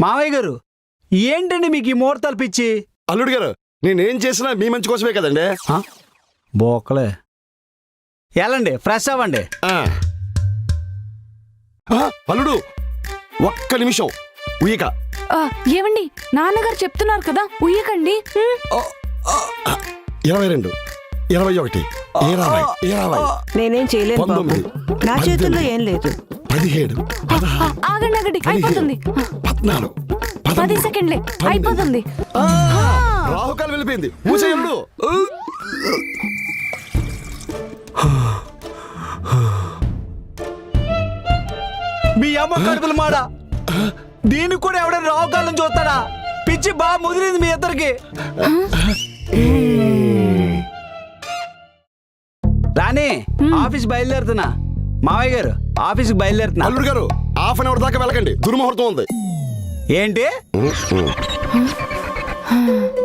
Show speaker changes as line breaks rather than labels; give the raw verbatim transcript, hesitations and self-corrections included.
మావయ్య గారు ఏంటండి మీకు ఈ ముహూర్తాలు పిచ్చి?
అల్లుడు గారు నేనేం చేసినా మీ మంచి కోసమే కదండి.
బోకలే ఎలాండి ఫ్రెష్ అవ్వండి.
అల్లుడు ఒక్క నిమిషం ఉయ్యక.
ఏమండి నాన్నగారు చెప్తున్నారు కదా ఉయ్యకండి.
ఇరవై రెండు ఇరవై ఒకటి ఇరవై ఇరవై
నేనేం చేయలేను బాబు, నా చేతుల్లో ఏం లేదు.
పదిహేడు
ఆగండి ఆగండి అయిపోతుంది.
పద్నాలుగు
పది సెకండ్లే అయిపోతుంది.
రాహుకాలు వెళ్ళిపోయింది. మూసేయల్లుడు.
మీ అమ్మ కడుపులు మాడ దీనికి కూడా ఎవడైనా రావుకాలం చూస్తాడా? పిచ్చి బాగా ముదిరింది మీ ఇద్దరికి. రాణి ఆఫీస్ బయలుదేరుతున్నా. మావయ్య గారు ఆఫీస్కి బయలుదేరుతున్నా.
అల్లుడు గారు హాఫ్ అన్ అవర్ దాకా వెళ్ళకండి, దుర్ముహూర్తం ఉంది.
ఏంటి